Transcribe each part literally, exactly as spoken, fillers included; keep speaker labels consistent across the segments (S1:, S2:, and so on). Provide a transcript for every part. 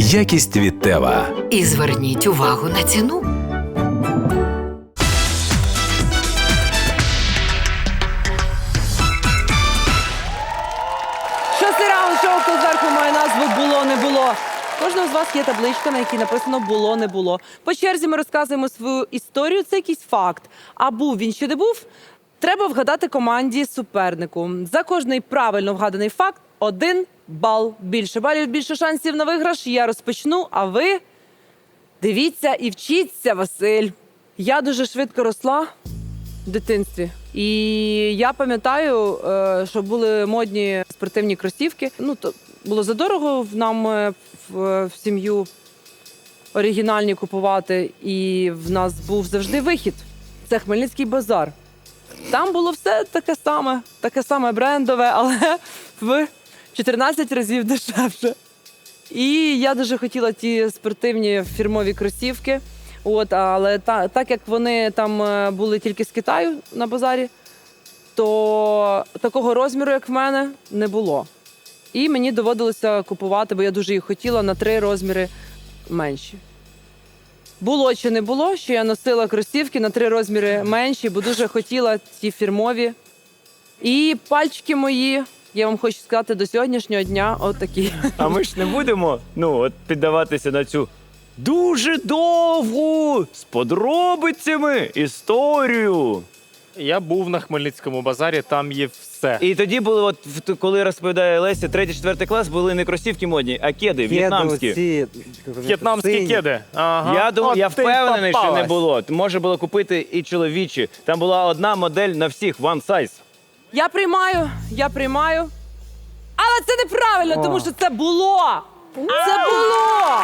S1: Якість від Тева.
S2: І зверніть увагу на ціну.
S3: Шостий раунд шоу «Хто зверху» має назву «Було, не було». Кожного з вас є табличка, на якій написано «Було, не було». По черзі ми розказуємо свою історію, це якийсь факт. А був він чи не був, треба вгадати команді супернику. За кожний правильно вгаданий факт – один бал. Більше балів, більше шансів на виграш. Я розпочну, а ви дивіться і вчіться, Василь. Я дуже швидко росла в дитинстві. І я пам'ятаю, е, що були модні спортивні кросівки. Ну, то було задорого в нам е, в, в сім'ю оригінальні купувати. І в нас був завжди вихід. Це Хмельницький базар. Там було все таке саме, таке саме брендове, але в чотирнадцять разів дешевше. І я дуже хотіла ті спортивні фірмові кросівки. От, але та, так як вони там е, були тільки з Китаю на базарі, то такого розміру, як в мене, не було. І мені доводилося купувати, бо я дуже їх хотіла, на три розміри менші. Було чи не було, що я носила кросівки на три розміри менші, бо дуже хотіла ті фірмові. І пальчики мої, я вам хочу сказати, до сьогоднішнього дня отакі.
S4: А ми ж не будемо, ну, от піддаватися на цю дуже довгу, з подробицями історію.
S5: Я був на Хмельницькому базарі, там є все.
S4: І тоді було, от в- коли розповідає Леся, третій, четвертий клас, були не кросівки модні, а кеди, в'єтнамські.
S6: Ці,
S5: В'єтнамські
S6: сині.
S5: кеди. Ага.
S4: Я думаю,
S5: От
S4: я
S5: ти
S4: впевнений, що не
S5: попалась.
S4: було. Може було купити і чоловічі. Там була одна модель на всіх, one size.
S3: Я приймаю, я приймаю. Але це неправильно,
S6: О.
S3: тому що це було. Це було.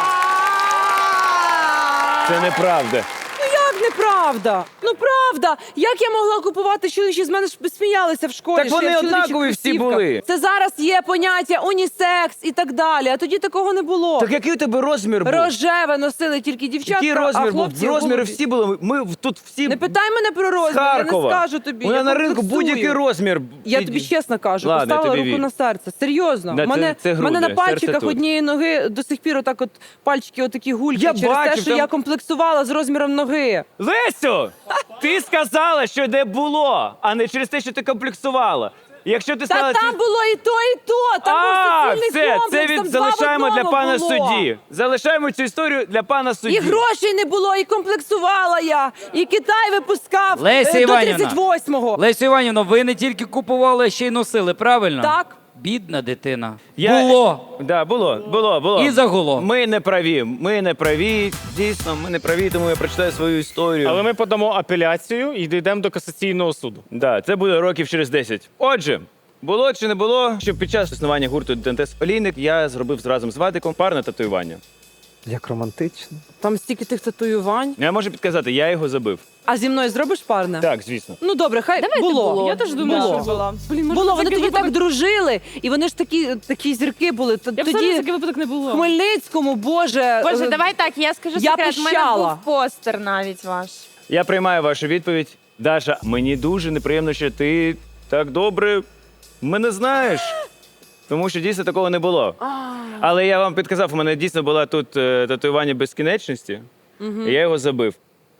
S4: Це неправда.
S3: Ну як неправда? Ну правда. Як я могла купувати чоловічі? З мене ж сміялися в школі.
S4: Так
S3: що
S4: вони
S3: я в чоловічих
S4: однакові всі
S3: кросівках.
S4: були.
S3: Це зараз є поняття унісекс і так далі, а тоді такого не було.
S4: Так який у тебе розмір був?
S3: Рожеве носили тільки дівчатка,
S4: Який
S3: а
S4: розмір був?
S3: хлопці
S4: Розміри
S3: голубі.
S4: всі були. Ми в- тут всі
S3: Не питай мене про
S4: з
S3: розмір, я не
S4: Харкова.
S3: скажу тобі.
S4: У мене
S3: я
S4: на ринку
S3: комплексую.
S4: будь-який розмір.
S3: Я
S4: Ті-
S3: тобі чесно кажу,
S4: Ладно, я
S3: поставила
S4: тобі
S3: руку
S4: вірю.
S3: на серце. Серйозно.
S4: Да,
S3: У мене,
S4: це- це
S3: в мене на
S4: груди, серце
S3: пальчиках
S4: тут.
S3: однієї ноги до сих пір отак от пальчики отакі гульки
S4: Я
S3: через те,
S4: бачив,
S3: що
S4: там-
S3: я комплексувала з розміром ноги.
S4: Лесю, ти сказала, що не було, а не через те, що ти комплексувала. Якщо ти
S3: Та
S4: сказала,
S3: там
S4: це-
S3: було і то, і то. Там
S4: а,
S3: був суцільний
S4: все,
S3: комплекс,
S4: це
S3: там
S4: від
S3: два в
S4: залишаємо для
S3: одному
S4: пана
S3: було.
S4: судді. Залишаємо цю історію для пана судді.
S3: І грошей не було, і комплексувала я, і Китай випускав
S7: Леся
S3: е, до
S7: Іванівна.
S3: тридцять восьмого.
S7: Лесю Іванівна, ви не тільки купували, а ще й носили, правильно?
S3: Так.
S7: Бідна дитина.
S4: Я-
S7: Було.
S4: Да, було, було, було.
S7: І загуло.
S4: Ми не праві, ми не праві, дійсно, ми не праві, тому я прочитаю свою історію.
S5: Але ми подамо апеляцію і дійдемо до касаційного суду.
S4: Да, це буде років через десять. Отже, було чи не було, що під час існування гурту Дантес Олійник я зробив разом з Вадиком парне татуювання.
S6: Як романтично.
S3: Там стільки тих татуювань.
S4: Я можу підказати, я його забив.
S3: А зі мною зробиш парне?
S4: Так, звісно.
S3: Ну добре, хай було.
S8: Я теж думаю,
S3: Було.
S8: що була. Блін, може,
S3: Було,
S8: це
S3: вони
S8: такий
S3: тоді так
S8: випадок-
S3: дружили, і вони ж такі, такі зірки були. Т-
S8: Я б
S3: Тоді
S8: такий випадок не було.
S3: в Хмельницькому, боже.
S8: Боже,
S3: е,
S8: давай так, я скажу
S3: я
S8: секрет. У мене
S3: пищала.
S8: був постер навіть ваш.
S4: Я приймаю вашу відповідь. Даша, мені дуже неприємно, що ти так добре мене знаєш. Тому що дійсно такого не було. Але я вам підказав, у мене дійсно була тут е, татуювання безкінечності, і я його забив.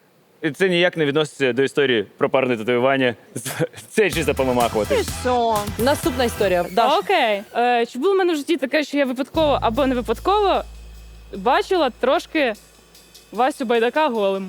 S4: І це ніяк не відноситься до історії про парне татуювання. Це чисто помамахувати.
S8: Що?
S3: Наступна історія. Даш.
S9: Окей. Е, чи було в мене в житті таке, що я випадково або не випадково бачила трошки Васю Байдака голим?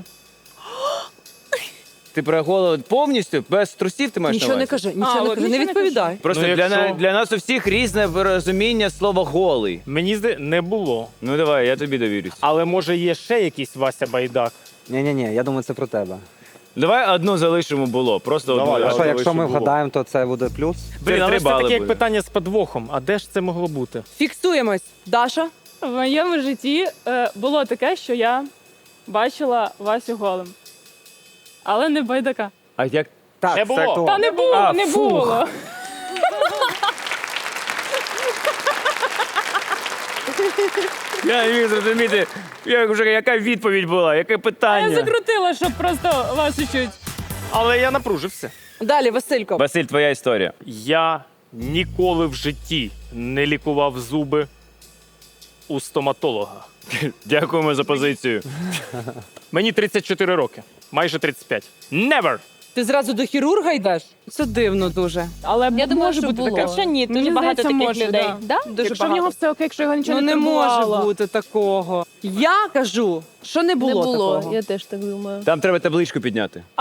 S4: Ти про голову повністю без трусів ти маєш
S3: Нічого
S4: на
S3: не
S4: увазі?
S3: кажи, нічого
S9: А,
S3: не
S9: от
S3: кажи, не
S9: нічого не
S3: відповідай.
S4: Просто
S5: Ну,
S4: для, на-
S5: якщо-
S4: для нас у всіх різне розуміння слова голий.
S5: Мені здається, не було.
S4: Ну давай, я тобі довірюсь.
S5: Але може є ще якийсь Вася Байдак.
S6: Ні-ні-ні, я думаю, це про тебе.
S4: Давай одну залишимо було. Просто
S5: Давай,
S4: одну
S5: давай.
S6: А що, якщо ми
S4: залишимо було.
S6: вгадаємо, то це буде плюс?
S5: Блін, але
S4: три
S5: ж це
S4: бали
S5: таке як
S4: буде.
S5: питання з подвохом. А де ж це могло бути?
S3: Фіксуємось. Даша?
S9: В моєму житті е, було таке, що я бачила Васю голим. Але не Байдака.
S4: А як?
S6: Так,
S5: Не
S6: це
S5: було.
S6: актуально.
S9: Та не було,
S4: А,
S9: не
S4: фух.
S9: було.
S4: Я не міг зрозуміти, як вже яка відповідь була, яке
S9: Я
S4: питання.
S9: закрутила, щоб просто Васю чуть.
S5: Але я напружився.
S3: Далі, Василько.
S4: Василь, твоя історія.
S5: Я ніколи в житті не лікував зуби. у стоматолога.
S4: Дякуємо за позицію.
S5: Мені тридцять чотири роки, майже тридцять п'ять. Never!
S3: Ти зразу до хірурга йдеш? Це дивно дуже.
S9: Але
S8: Я думаю,
S9: може
S8: що
S9: бути
S8: було.
S9: таке.
S8: Що ні, дуже
S9: Мені
S8: багато
S9: здається,
S8: таких
S9: може,
S8: людей.
S9: да.
S8: Да? Дуже
S9: Якщо в
S8: багато.
S9: нього все окей, якщо його нічого
S3: Ну
S9: не
S3: не може
S9: турбувало.
S3: бути такого. Я кажу, що не було,
S8: Не було,
S3: такого.
S8: я теж так думаю.
S4: Там треба табличку підняти.
S9: А!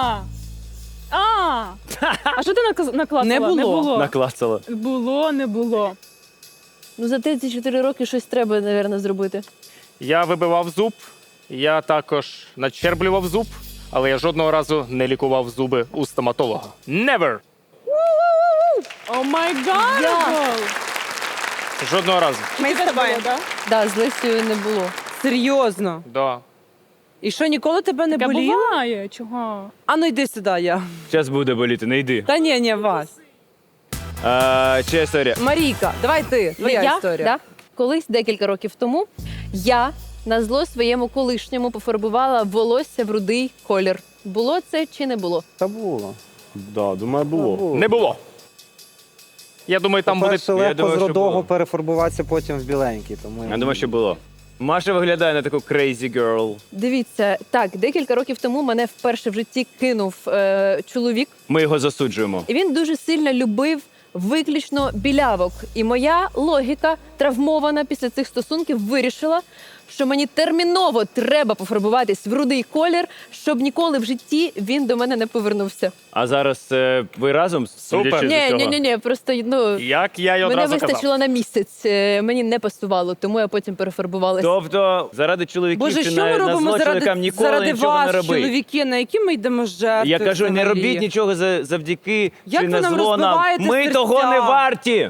S9: А! А що ти наказ- наклацала?
S3: Не було.
S9: Не було.
S4: Наклацала.
S9: Було, не було.
S8: Ну за тридцять чотири роки щось треба, мабуть, зробити.
S5: Я вибивав зуб, я також начерблював зуб, але я жодного разу не лікував зуби у стоматолога. Never!
S9: О май гад!
S5: Жодного разу.
S8: Ми з тобою.
S9: да?
S8: Да, з Лесією не було.
S3: Серйозно.
S5: Да.
S3: І що, ніколи тебе не
S9: Таке
S3: боліло?
S9: буває. Чого?
S3: А ну йди сюди, я.
S4: Зараз буде боліти, не йди.
S3: Та ні, ні, вас.
S4: А, чия історія?
S3: Марійка, давай ти, твоя
S8: я,
S3: історія.
S8: Да? Колись, декілька років тому, я на зло своєму колишньому пофарбувала волосся в рудий колір. Було це чи не було?
S6: Та було.
S1: Да, думаю, було.
S5: Не було. Я думаю, там буде...
S6: По-перше,
S4: Я
S6: легко
S4: думаю,
S6: з
S4: що
S6: рудого
S4: було.
S6: перефарбуватися потім в біленький. Тому
S4: Я думаю, що було. Маша виглядає на таку crazy girl.
S8: Дивіться, так, декілька років тому мене вперше в житті кинув е, чоловік,
S4: Ми його засуджуємо.
S8: і він дуже сильно любив виключно білявок. І моя логіка, травмована після цих стосунків, вирішила, що мені терміново треба пофарбуватись в рудий колір, щоб ніколи в житті він до мене не повернувся.
S4: А зараз е, ви разом?
S5: Супер.
S4: судячи з
S8: Ні,
S4: усього?
S8: ні, ні, ні, просто ну
S5: Як я й
S8: мене
S5: одразу казав.
S8: вистачило на місяць. е, Мені не пасувало, тому я потім перефарбувалася.
S4: Тобто, заради чоловіків
S3: Боже,
S4: чи
S3: що ми
S4: на, на
S3: робимо
S4: зло
S3: заради,
S4: чоловікам ніколи
S3: заради
S4: нічого
S3: вас,
S4: не робить.
S3: чоловіки, на які ми йдемо жертви?
S4: Я кажу, не
S3: взагалі?
S4: робіть нічого за- завдяки
S3: Як
S4: чи
S3: ви
S4: на
S3: нам
S4: зло нам.
S3: розбиваєте
S4: Ми
S3: серця?
S4: того не варті.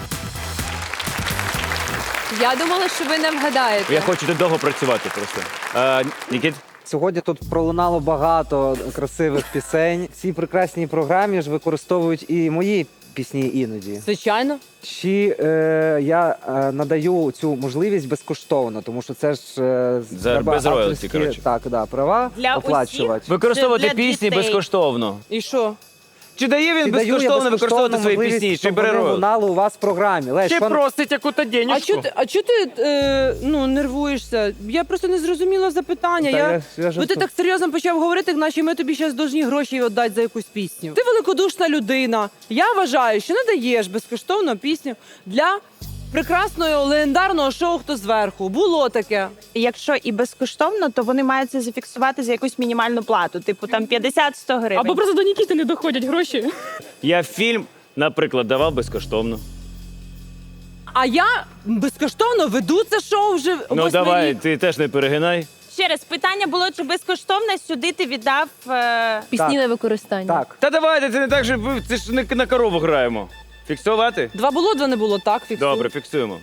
S8: Я думала, що ви не вгадаєте.
S4: Я хочу тут довго працювати просто. А, Нікіт?
S6: Сьогодні тут пролунало багато красивих пісень. В цій прекрасній програмі ж використовують і мої пісні іноді.
S3: Звичайно.
S6: Чи е, я е, надаю цю можливість безкоштовно, тому що це ж е, з-
S4: За-
S6: треба
S4: без роялті,
S6: авторські,
S4: коротше.
S6: Так, да, права
S8: Для
S6: оплачувати.
S4: Використовувати
S8: Для
S4: пісні
S8: дітей.
S4: безкоштовно.
S3: І що?
S4: Чи дає він
S6: Чи даю я
S4: безкоштовно використовувати свої
S6: можливість,
S4: пісні? Чи
S6: щоб
S4: бере
S6: вони
S4: роялті?
S6: лунали у вас в програмі? Лесь,
S5: Чи
S6: що-
S5: просить яку-то
S3: А
S5: денежку?
S3: чого ти, а чого ти е, ну, нервуєшся? Я просто не зрозуміла запитання.
S6: Та
S3: я...
S6: я- я ж
S3: Бо ти
S6: тут-
S3: так серйозно почав говорити, наче ми тобі зараз повинні гроші віддати за якусь пісню. Ти великодушна людина. Я вважаю, що не даєш безкоштовно пісню для прекрасного легендарного шоу «Хто зверху». Було таке.
S10: Якщо і безкоштовно, то вони мають це зафіксувати за якусь мінімальну плату, типу там п'ятдесят-сто гривень.
S9: Або просто до Нікіти не доходять гроші.
S4: Я фільм, наприклад, давав безкоштовно.
S3: А я безкоштовно веду це шоу вже
S4: Ну
S3: восьмий
S4: давай,
S3: рік.
S4: ти теж не перегинай.
S10: Ще раз, питання було, чи безкоштовно сюди ти віддав. Е...
S8: Пісні
S6: Так.
S8: на використання.
S6: Так.
S4: Та давайте, це не так, що ви- це ж не на корову граємо. Фіксувати?
S3: Два було, два не було, так, фіксую.
S4: Добре, фіксуємо.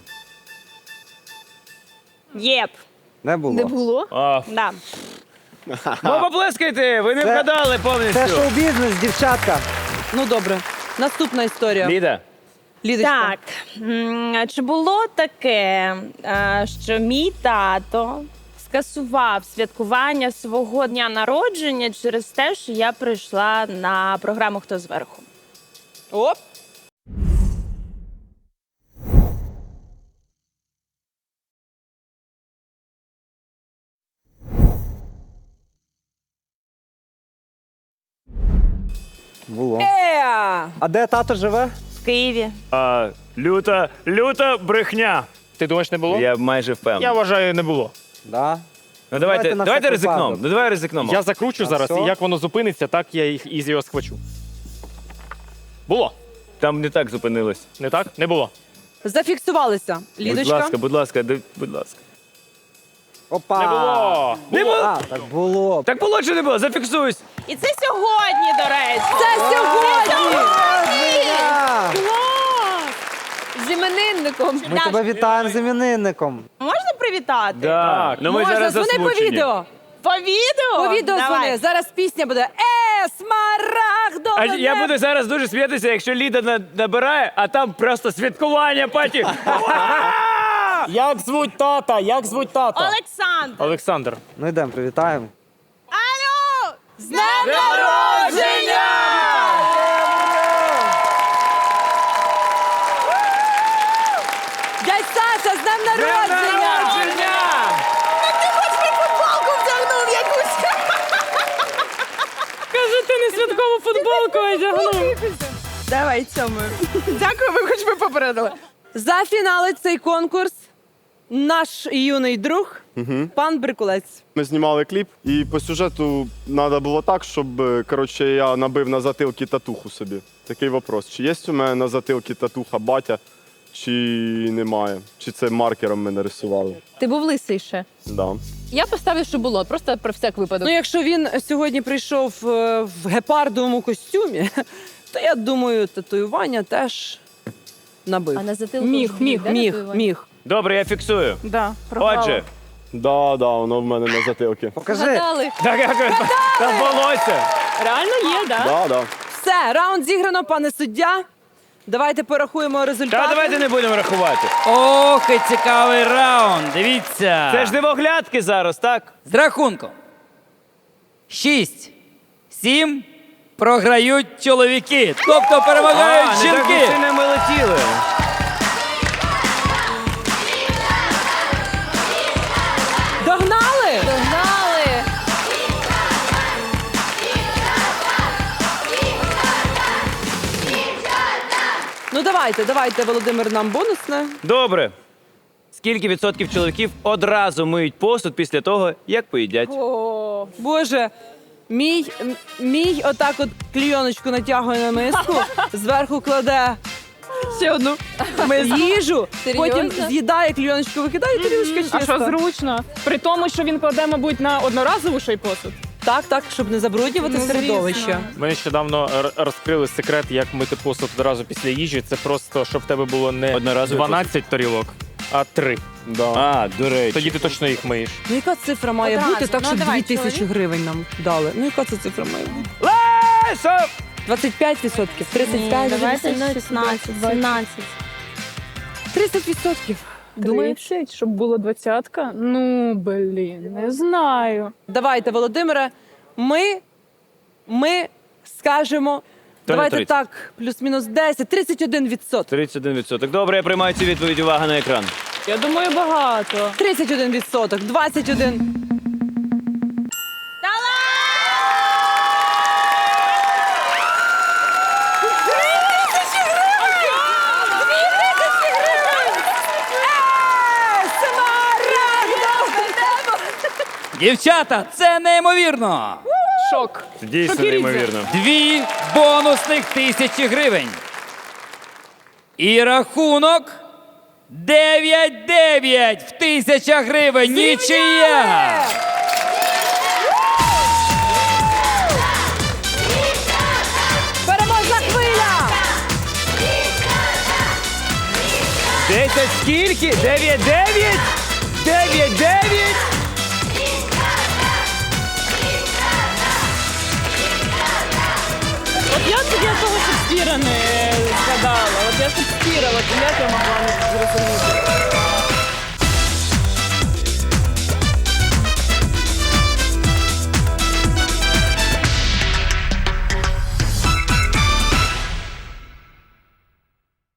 S10: Єп.
S6: Не було.
S8: Не було?
S4: А,
S10: Да.
S4: ну поплескайте, ви не
S6: Це-
S4: вгадали
S6: Це
S4: повністю.
S6: шоу-бізнес, дівчатка.
S3: Ну добре. Наступна історія.
S4: Ліда,
S3: Лідочка.
S10: Так. М, Чи було таке, е, що мій тато скасував святкування свого дня народження через те, що я прийшла на програму «Хто зверху»?
S3: Оп.
S6: Було.
S3: Е!
S6: А де тато живе?
S10: В Києві.
S4: а, люта, люта брехня.
S5: Ти думаєш, не було?
S4: Я майже впевнений.
S5: Я вважаю, не було.
S6: Да.
S4: Ну давайте,
S6: Давайте на
S4: давайте
S6: всяк
S4: ризикнемо.
S6: випадок.
S4: Ну давай ризикнемо.
S5: Я закручу
S6: А
S5: зараз,
S6: все?
S5: і як воно зупиниться, так я їх із його схвачу. Було.
S4: Там не так зупинилось.
S5: Не так? Не було.
S3: Зафіксувалися. Лідочка.
S4: Будь ласка, будь ласка, ди- будь ласка.
S6: Опа.
S5: Не було.
S4: Не було.
S6: А, так було.
S4: Так було чи не було? Зафіксуюсь.
S10: І це сьогодні, до речі.
S3: Це сьогодні!
S6: А,
S8: З іменинником.
S6: Ми тебе вітаємо з іменинником.
S10: Можна привітати?
S4: Так, ну ми
S3: Можна,
S4: зараз
S3: дзвони по
S4: засмучені.
S3: відео.
S10: По відео?
S3: По відео
S10: Давай.
S3: дзвони. Зараз пісня буде Е, смарагдо.
S4: А я буду зараз дуже сміятися, якщо Ліда на- набирає, а там просто святкування паті.
S5: Як звуть тата? Як звуть тата?
S10: Олександр.
S5: Олександр.
S6: Ну йдемо, привітаємо.
S10: Алло!
S3: З днем народження! Дядь Саша, з днем народження!
S9: футболку одягнув.
S10: Давай цьому. Дякую, ви хоч би попередили.
S3: Зафіналить цей конкурс наш юний друг, пан Брикулець.
S1: Ми знімали кліп, і по сюжету треба було так, щоб е, коротше, я набив на затилки татуху собі. Такий вопрос: чи є у мене на затилки татуха батя, чи немає? Чи це маркером ми нарисували?
S8: Ти був лисий ще.
S1: Да.
S8: Я поставлю, що було, просто про всяк випадок.
S3: Ну, якщо він сьогодні прийшов е, в гепардовому костюмі, то я думаю, татуювання теж набив.
S8: А на затилку
S3: Міг, міг,
S8: де
S3: міг,
S8: татуювання?
S3: міг.
S4: Добре, я фіксую.
S9: Да, програла.
S4: Отже,
S1: Да, да, воно в мене на затилки.
S6: Покажи.
S8: Згадали.
S4: так як та волосся.
S9: Реально є, да?
S1: Да, да.
S3: Все, раунд зіграно, пане суддя. Давайте порахуємо результати.
S4: Та давайте не будемо рахувати.
S7: Ох, і цікавий раунд. Дивіться.
S4: Це ж дивоглядки зараз, так?
S7: З рахунком. Шість. Сім. Програють чоловіки. Тобто перемагають
S4: а, не так
S7: жінки.
S4: і сильно ми летіли.
S3: Догнали?
S8: Догнали.
S3: Ну давайте, давайте, Володимир, нам бонусне.
S4: Добре. Скільки відсотків чоловіків одразу миють посуд після того, як поїдять?
S3: Боже, мій, м- мій отак от клійоночку натягує на миску, зверху кладе
S9: Ще одну.
S3: їжу, потім
S8: Серйозно?
S3: з'їдає клійоночку, викидає, і тарілочка чиста.
S9: А що зручно? При тому, що він кладе, мабуть, на одноразову ще й посуд.
S3: Так, так, щоб не забруднювати
S9: Ну,
S3: середовище.
S9: звісно.
S5: Ми нещодавно р- розкрили секрет, як мити посуд одразу після їжі. Це просто, щоб в тебе було не
S4: Одноразовий
S5: дванадцять тарілок, а три.
S1: Да.
S4: А, до речі.
S5: Тоді ти точно їх миєш.
S3: Ну яка цифра має
S10: Одразу.
S3: бути, так
S10: Ну,
S3: щоб
S10: давай,
S3: дві тисячі
S10: чоловік.
S3: гривень нам дали? Ну яка це цифра має бути?
S4: Лесо!
S3: двадцять п'ять відсотків, тридцять п'ять,
S10: Давайте шістнадцять, сімнадцять.
S3: тридцять відсотків.
S9: Думаєш, щоб було двадцятка? Ну, блін, не знаю.
S3: Давайте, Володимире, ми, ми скажемо,
S4: То не
S3: давайте
S4: тридцять.
S3: так, плюс-мінус десять, тридцять один відсоток.
S4: тридцять один відсоток. Добре, я приймаю цю відповідь. Увага на екран.
S9: Я думаю, багато.
S3: тридцять один відсоток, двадцять один.
S7: Дівчата, це неймовірно.
S9: Шок.
S4: Дійсно
S9: Шокірідзе.
S4: неймовірно.
S7: Дві бонусних тисячі гривень. І рахунок дев'ять дев'ять в тисячах гривень. Нічия.
S3: Переможна хвиля!
S4: Десять скільки? Дев'ять дев'ять? Дев'ять дев'ять?
S9: От я тоді того Шекспіра не згадала. От я Шекспіра, от як я могла не зрозуміти.